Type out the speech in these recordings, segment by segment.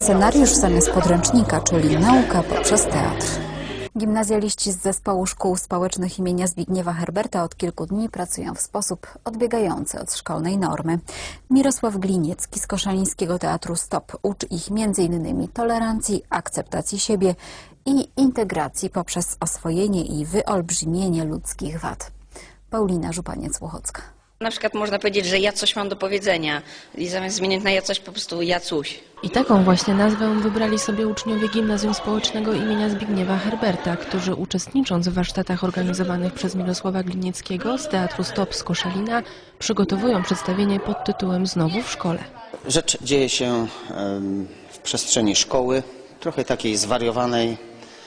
Scenariusz zamiast podręcznika, czyli nauka poprzez teatr. Gimnazjaliści z zespołu szkół społecznych imienia Zbigniewa Herberta od kilku dni pracują w sposób odbiegający od szkolnej normy. Mirosław Gliniecki z Koszalińskiego Teatru Stop uczy ich m.in. tolerancji, akceptacji siebie i integracji poprzez oswojenie i wyolbrzymienie ludzkich wad. Paulina Żupaniec-Łochocka. Na przykład można powiedzieć, że ja coś mam do powiedzenia i zamiast zmienić na ja coś po prostu ja coś. I taką właśnie nazwę wybrali sobie uczniowie Gimnazjum Społecznego imienia Zbigniewa Herberta, którzy uczestnicząc w warsztatach organizowanych przez Mirosława Glinieckiego z Teatru Stop z Koszalina przygotowują przedstawienie pod tytułem Znowu w szkole. Rzecz dzieje się w przestrzeni szkoły, trochę takiej zwariowanej.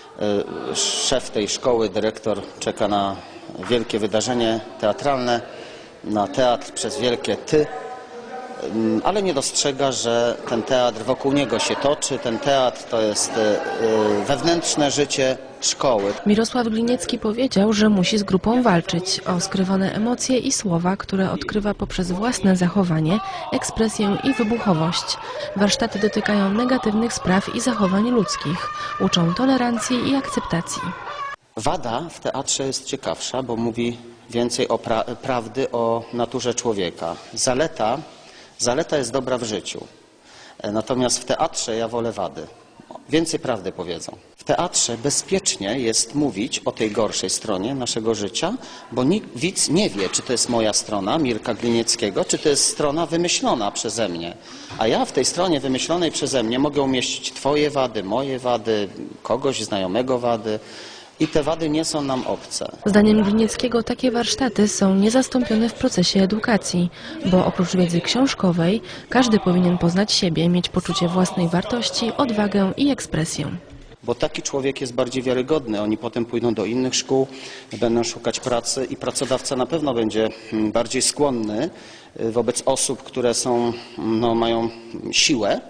Szef tej szkoły, dyrektor czeka na wielkie wydarzenie teatralne, na teatr przez wielkie ty, ale nie dostrzega, że ten teatr wokół niego się toczy. Ten teatr to jest wewnętrzne życie szkoły. Mirosław Gliniecki powiedział, że musi z grupą walczyć o skrywane emocje i słowa, które odkrywa poprzez własne zachowanie, ekspresję i wybuchowość. Warsztaty dotykają negatywnych spraw i zachowań ludzkich. Uczą tolerancji i akceptacji. Wada w teatrze jest ciekawsza, bo mówi więcej o prawdy o naturze człowieka. Zaleta jest dobra w życiu. Natomiast w teatrze ja wolę wady. Więcej prawdy powiedzą. W teatrze bezpiecznie jest mówić o tej gorszej stronie naszego życia, bo widz nie wie, czy to jest moja strona, Mirka Glinieckiego, czy to jest strona wymyślona przeze mnie. A ja w tej stronie wymyślonej przeze mnie mogę umieścić twoje wady, moje wady, kogoś znajomego wady. I te wady nie są nam obce. Zdaniem Glinieckiego takie warsztaty są niezastąpione w procesie edukacji, bo oprócz wiedzy książkowej każdy powinien poznać siebie, mieć poczucie własnej wartości, odwagę i ekspresję. Bo taki człowiek jest bardziej wiarygodny. Oni potem pójdą do innych szkół, będą szukać pracy i pracodawca na pewno będzie bardziej skłonny wobec osób, które mają siłę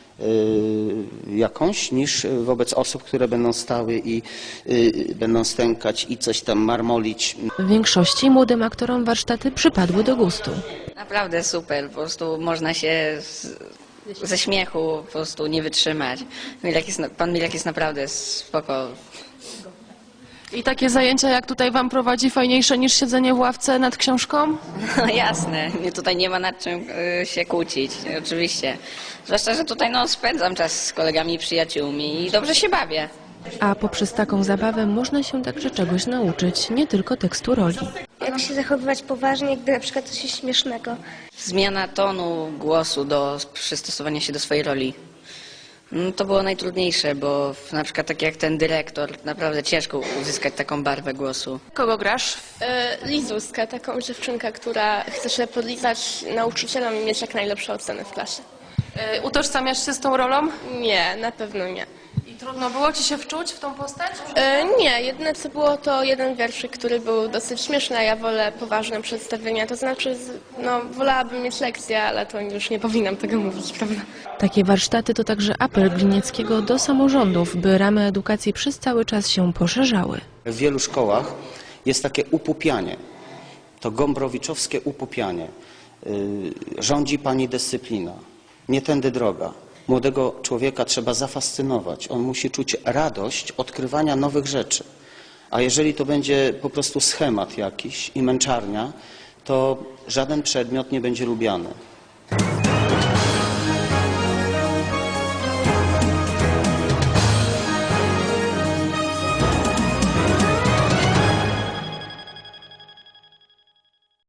jakąś, niż wobec osób, które będą stały i będą stękać i coś tam marmolić. W większości młodym aktorom warsztaty przypadły do gustu. Naprawdę super, po prostu można się ze śmiechu po prostu nie wytrzymać. Pan Milek jest naprawdę spoko. I takie zajęcia jak tutaj wam prowadzi fajniejsze niż siedzenie w ławce nad książką? No jasne, tutaj nie ma nad czym się kłócić, oczywiście. Zwłaszcza, że tutaj spędzam czas z kolegami i przyjaciółmi i dobrze się bawię. A poprzez taką zabawę można się także czegoś nauczyć, nie tylko tekstu roli. Jak się zachowywać poważnie, gdy na przykład coś jest śmiesznego. Zmiana tonu głosu do przystosowania się do swojej roli. To było najtrudniejsze, bo na przykład tak jak ten dyrektor, naprawdę ciężko uzyskać taką barwę głosu. Kogo grasz? Lizuskę, taką dziewczynkę, która chce się podlizać nauczycielom i mieć jak najlepsze oceny w klasie. Utożsamiasz się z tą rolą? Nie, na pewno nie. I trudno było ci się wczuć w tą postać? Nie, jedyne co było to jeden wierszyk, który był dosyć śmieszny, a ja wolę poważne przedstawienia. To znaczy, wolałabym mieć lekcję, ale to już nie powinnam tego mówić, prawda? Takie warsztaty to także apel Glinieckiego do samorządów, by ramy edukacji przez cały czas się poszerzały. W wielu szkołach jest takie upupianie, to gombrowiczowskie upupianie. Rządzi pani dyscyplina, nie tędy droga. Młodego człowieka trzeba zafascynować. On musi czuć radość odkrywania nowych rzeczy. A jeżeli to będzie po prostu schemat jakiś i męczarnia, to żaden przedmiot nie będzie lubiany.